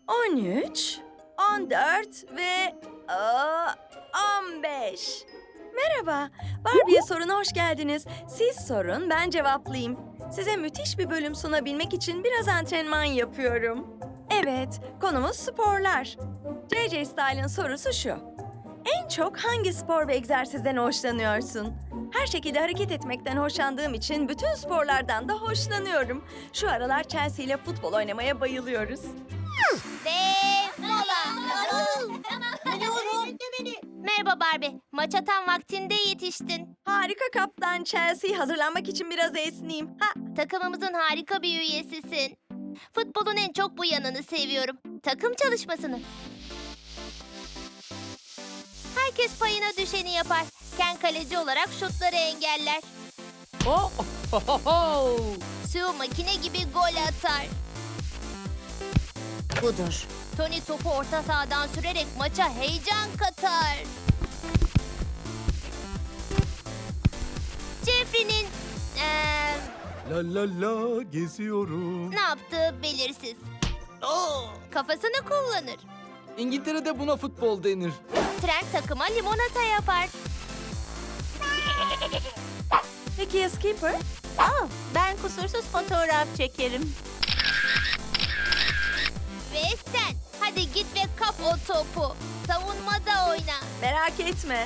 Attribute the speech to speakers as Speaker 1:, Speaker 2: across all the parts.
Speaker 1: 13, 14 ve 15. Merhaba, Barbie'ye soruna hoş geldiniz. Siz sorun, ben cevaplayayım. Size müthiş bir bölüm sunabilmek için biraz antrenman yapıyorum. Evet, konumuz sporlar. JJ Style'ın sorusu şu. En çok hangi spor ve egzersizden hoşlanıyorsun? Her şekilde hareket etmekten hoşlandığım için bütün sporlardan da hoşlanıyorum. Şu aralar Chelsea ile futbol oynamaya bayılıyoruz.
Speaker 2: Ve mola. Merhaba Barbie. Maça tam vaktinde yetiştin.
Speaker 1: Harika kaptan Chelsea. Hazırlanmak için biraz esneyeyim.
Speaker 2: Takımımızın harika bir üyesisin. Futbolun en çok bu yanını seviyorum. Takım çalışmasını. Herkes payına düşeni yapar. Ken kaleci olarak şutları engeller. Sue makine gibi gol atar.
Speaker 1: Budur.
Speaker 2: Tony topu orta sahadan sürerek maça heyecan katar. Jeffrey'nin
Speaker 3: La la la geziyorum.
Speaker 2: ne yaptığı belirsiz. Kafasını kullanır.
Speaker 3: İngiltere'de buna futbol denir.
Speaker 2: Trent takıma limonata yapar.
Speaker 1: Peki ya Skipper?
Speaker 4: Ben kusursuz fotoğraf çekerim.
Speaker 2: Ve sen hadi git ve kap o topu. Savunmada oyna.
Speaker 1: Merak etme.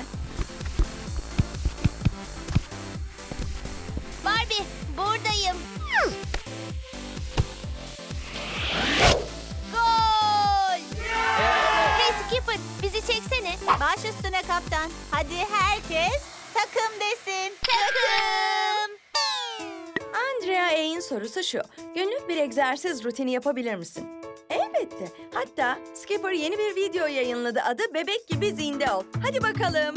Speaker 2: Barbie buradayım. Gol! Hey Skipper bizi çeksene.
Speaker 4: Baş üstüne kaptan. Hadi herkes takım desin.
Speaker 2: Takım!
Speaker 1: Andrea A'in sorusu şu. Günlük bir egzersiz rutini yapabilir misin? Elbette. Hatta Skipper yeni bir video yayınladı. Adı Bebek Gibi Zinde Ol. Hadi bakalım.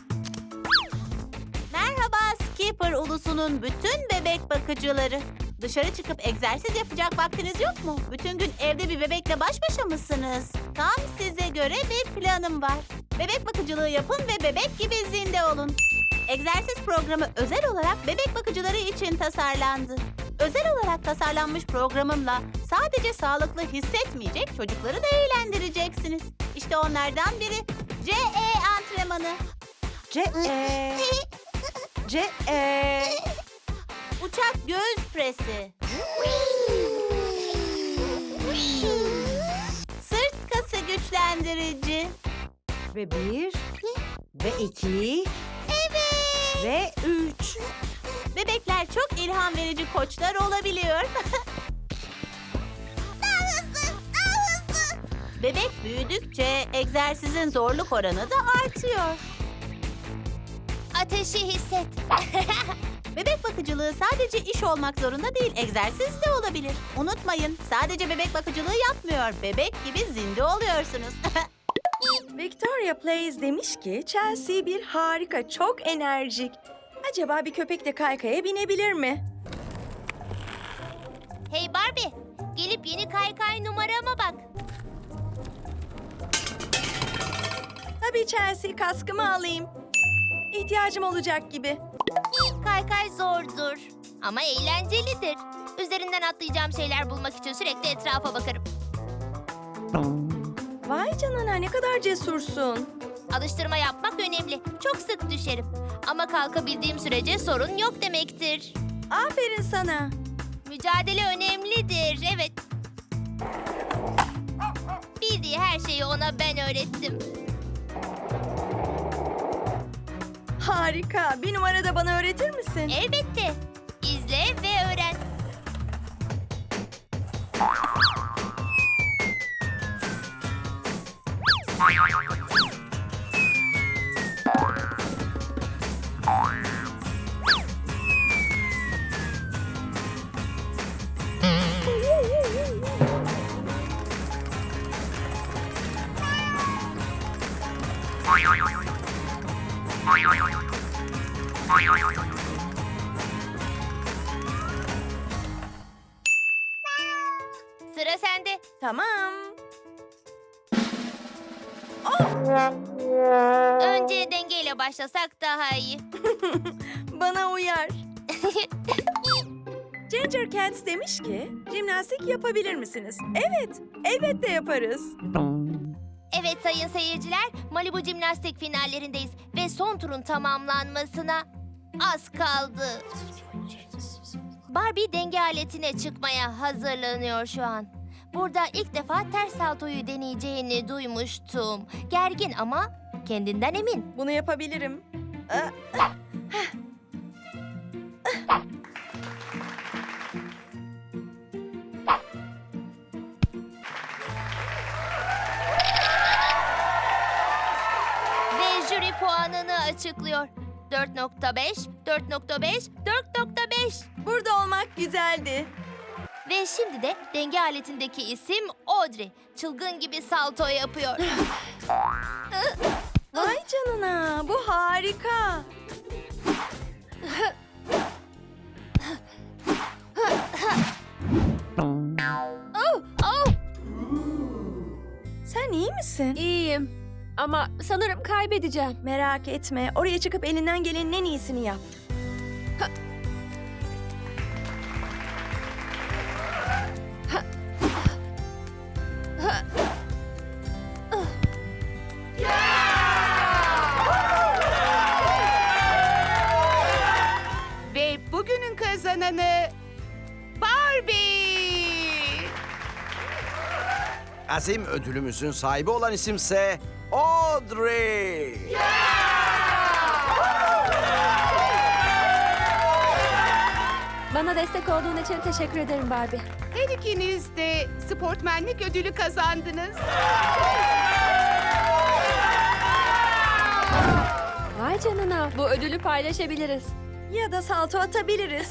Speaker 4: Merhaba Skipper ulusunun bütün bebek bakıcıları. Dışarı çıkıp egzersiz yapacak vaktiniz yok mu? Bütün gün evde bir bebekle baş başa mısınız? Tam size göre bir planım var. Bebek bakıcılığı yapın ve bebek gibi zinde olun. Egzersiz programı özel olarak bebek bakıcıları için tasarlandı. Özel olarak tasarlanmış programımla sadece sağlıklı hissetmeyecek çocukları da eğlendireceksiniz. İşte onlardan biri CE antrenmanı. Uçak göğüs presi. Sırt kası güçlendirici.
Speaker 1: Ve 1 ve 2 ve 3.
Speaker 4: Bebekler çok ilham verici koçlar olabiliyor. Bebek büyüdükçe egzersizin zorluk oranı da artıyor.
Speaker 2: Ateşi hisset.
Speaker 4: Bebek bakıcılığı sadece iş olmak zorunda değil, egzersiz de olabilir. Unutmayın, sadece bebek bakıcılığı yapmıyor, bebek gibi zinde oluyorsunuz.
Speaker 1: Victoria Plays demiş ki Chelsea bir harika, çok enerjik. Acaba bir köpek de kaykaya binebilir mi?
Speaker 2: Hey Barbie gelip yeni kaykay numarama bak.
Speaker 1: Tabii Chelsea, kaskımı alayım. İhtiyacım olacak gibi.
Speaker 2: Kaykay zordur ama eğlencelidir. Üzerinden atlayacağım şeyler bulmak için sürekli etrafa bakarım.
Speaker 1: Vay canına, ne kadar cesursun.
Speaker 2: Alıştırma yapmak önemli. Çok sık düşerim. Ama kalkabildiğim sürece sorun yok demektir.
Speaker 1: Aferin sana.
Speaker 2: Mücadele önemlidir, evet. Bildiği her şeyi ona ben öğrettim.
Speaker 1: Harika. Bir numara da bana öğretir misin?
Speaker 2: Elbette. İzle ve öğren. Sıra sende.
Speaker 1: Tamam.
Speaker 2: Önce dengeyle başlasak daha iyi.
Speaker 1: Bana uyar. Ginger Cats demiş ki, jimnastik yapabilir misiniz? Evet, elbette yaparız.
Speaker 2: Evet sayın seyirciler, Malibu Jimnastik finallerindeyiz ve son turun tamamlanmasına az kaldı. Barbie denge aletine çıkmaya hazırlanıyor şu an. Burada ilk defa ters saltoyu deneyeceğini duymuştum. Gergin ama kendinden emin.
Speaker 1: Bunu yapabilirim.
Speaker 2: Ve jüri puanını açıklıyor. 4.5, 4.5, 4.5.
Speaker 1: Burada olmak güzeldi.
Speaker 2: Ve şimdi de denge aletindeki isim Audrey. Çılgın gibi salto yapıyor.
Speaker 1: Vay canına, bu harika. Sen iyi misin?
Speaker 5: İyiyim. Ama sanırım kaybedeceğim.
Speaker 1: Merak etme, oraya çıkıp elinden gelenin en iyisini yap.
Speaker 6: Ve bugünün kazananı Barbie.
Speaker 7: Azim ödülümüzün sahibi olan isimse Audrey.
Speaker 5: Bana destek olduğun için teşekkür ederim Barbie.
Speaker 6: Her ikiniz de sportmenlik ödülü kazandınız.
Speaker 5: Vay canına. Bu ödülü paylaşabiliriz.
Speaker 1: Ya da salto atabiliriz.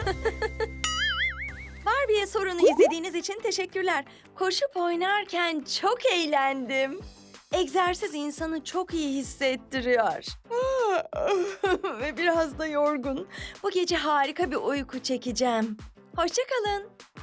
Speaker 1: Barbie'ye sorunu izlediğiniz için teşekkürler. Koşup oynarken çok eğlendim. Egzersiz insanı çok iyi hissettiriyor. Ve biraz da yorgun. Bu gece harika bir uyku çekeceğim. Hoşça kalın.